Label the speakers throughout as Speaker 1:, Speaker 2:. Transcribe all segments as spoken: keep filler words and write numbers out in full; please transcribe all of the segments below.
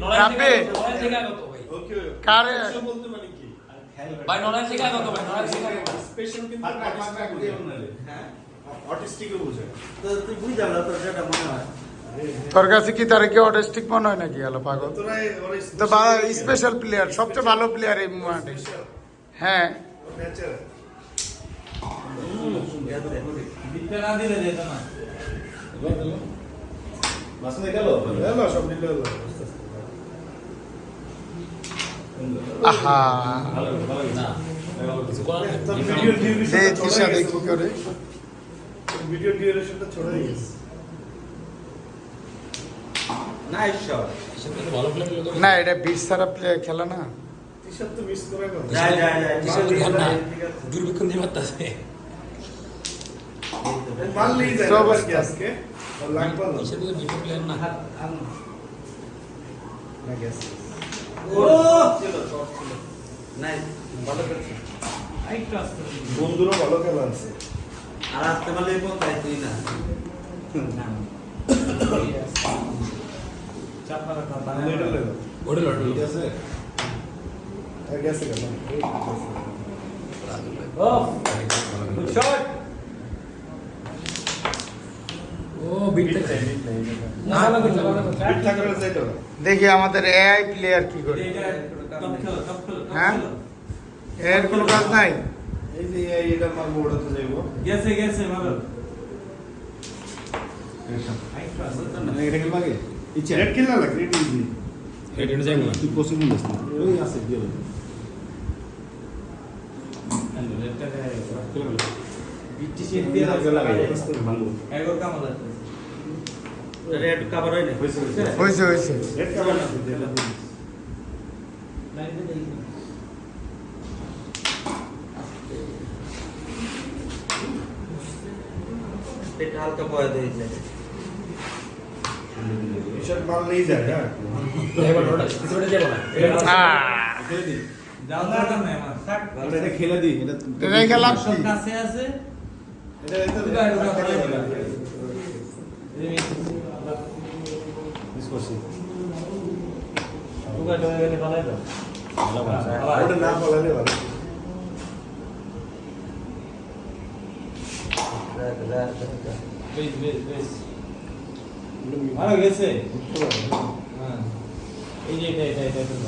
Speaker 1: কাপে
Speaker 2: ওকে
Speaker 1: কারে
Speaker 2: বলতে মানে কি
Speaker 3: ভাই নলেজ শিখা কত ভাই নলেজ শিখা কত
Speaker 2: স্পেশাল কিন্তু হ্যাঁ অটিস্টিকও বোঝে
Speaker 4: তো তুই বুঝা না তোর যেটা মনে হয়
Speaker 1: তোর কাছে কি তার কি অটিস্টিক মনে হয় নাকি আলো পাগল
Speaker 2: তোরা ওর
Speaker 1: তো ভালো স্পেশাল প্লেয়ার সবচেয়ে ভালো প্লেয়ার এই মুভমেন্টে হ্যাঁ
Speaker 2: ন্যাচারাল
Speaker 3: বিটটা না দিলে যেত না
Speaker 2: মাছ না গেল না সব দিলে হলো
Speaker 1: আহা
Speaker 3: না কিছু করার নেই।
Speaker 2: তোর ভিডিও ডিউরেশন
Speaker 1: এই তিশা দেখি করে
Speaker 2: ভিডিও ডিউরেশনটা ছড়া গেছে
Speaker 4: নাইস শট
Speaker 3: এসব তো ভালো প্লেয়ার লোক
Speaker 1: না এটা বিশ সারা প্লেয়ার খেলা না
Speaker 2: তিশা তো মিস করে গেল
Speaker 4: যা যা যা
Speaker 3: এসব তো না দুর্ভিক্ষণ দিয়ে মারতাছে
Speaker 2: মারলেই যায়
Speaker 1: সব
Speaker 2: আবার কি আজকে আর লাগবে না
Speaker 3: এসব তো বিপদ প্লেয়ার না
Speaker 2: না গেছে
Speaker 4: ও ছিল শট ছিল নাইস ভালো করছিস
Speaker 3: আরেকটু আসতে
Speaker 2: বন্ধুরও ভালো খেলা আছে
Speaker 4: আর আসতে পারলে কোন তাই তুই না
Speaker 3: না চাপা রাখা
Speaker 2: এটা লেলো
Speaker 3: ওড়ে লড়লো
Speaker 2: ঠিক আছে আর গেছে কেন
Speaker 3: ও গুড শট ও বিটটা চাই না ভালো করছে ভালো করছে
Speaker 2: বিট থাকার চাইতো না
Speaker 1: দেখি আমাদের এআই প্লেয়ার কি করে
Speaker 3: এটা টপ খেলো টপ খেলো
Speaker 1: হ্যাঁ এর কোনো কাজ নাই
Speaker 2: এই যে এই এটা মারবো ওটাতে যাইবো
Speaker 3: গেছে গেছে ভালো
Speaker 5: এটা কি লাগে ইচ্ছা
Speaker 2: রেড কিল না লাগে রেড ইজি
Speaker 3: এটা যাই না
Speaker 5: তুই পছন্দ করিস না ওই আছে দিয়ে দে
Speaker 3: বিটটি শেড দিয়ে
Speaker 5: লাগাই ভালো
Speaker 3: এগোর কাম হলো
Speaker 4: রেড কভার হয় না
Speaker 1: হয়েছে হয়েছে
Speaker 2: রেড কাভার না দিলে
Speaker 3: লাইন দিয়ে দেখি
Speaker 4: এটা হালকা বয় দিয়েছে
Speaker 2: এসব মারলেই যায় হ্যাঁ
Speaker 3: এবার ওটা কিছু ওটা যাবে না
Speaker 1: আহ,
Speaker 5: খেলে দি
Speaker 3: যাও দরকার নাই আমার থাক
Speaker 5: আমরা এটা খেলে দি এটা
Speaker 1: এটাই খেলাম
Speaker 3: সব কাছে আছে
Speaker 2: এটা এটা
Speaker 3: দুটো আর দুটো করে দিবা।
Speaker 5: মিস করছি
Speaker 3: দুটো করে গেলে ভালো হবে
Speaker 2: ওটা না বলালে ভালো
Speaker 3: বেশ বেশ বেশ ভালো গেছে হ্যাঁ এই যে এটা এটা এটা এটা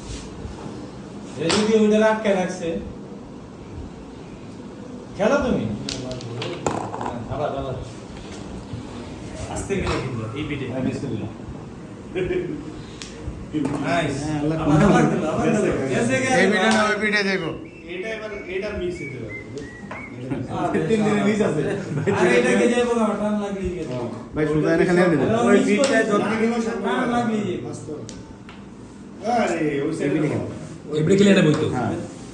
Speaker 3: এই যদি ওইটা রাখকে রাখছে খেলো তুমি হ্যাঁ, আবার আবার আস্তে গেলে কিন্তু এই বিটে
Speaker 5: আমি মিস করি না
Speaker 3: নাইস
Speaker 5: হ্যাঁ, আল্লাহ
Speaker 3: আবার আবার দিল আবার দিল গেছে
Speaker 1: এই
Speaker 3: গেছে
Speaker 1: পিঠে না ওই পিঠে যাইবো
Speaker 2: এটা এবার এটা মিস হতে পারে
Speaker 5: তিন দিনে মিস আছে
Speaker 3: আরে এটাকে যাইবো না টান লাগলি গেছে
Speaker 5: ভাই সুজা এনে খেলে দিলে
Speaker 4: ওই বিটটা যত
Speaker 2: না গেলেও সব
Speaker 3: টান লাগলি যে
Speaker 2: বাস্তব আরে ওই সাইডে
Speaker 5: এমনি খেলো।
Speaker 3: এবারে খেলে এটা বইতো
Speaker 5: হ্যাঁ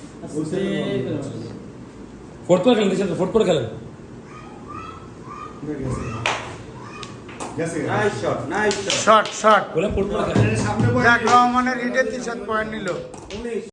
Speaker 3: ফোর্থ করে খেলেন দেশের ফোর্থ করে খেলেন
Speaker 2: গেছে গেছে
Speaker 4: nice shot nice shot
Speaker 1: short short
Speaker 3: বলে ফোর্থ করে খেলেন
Speaker 2: সামনে
Speaker 1: দেখ রহমানের হিটে তিন পয়েন্ট নিল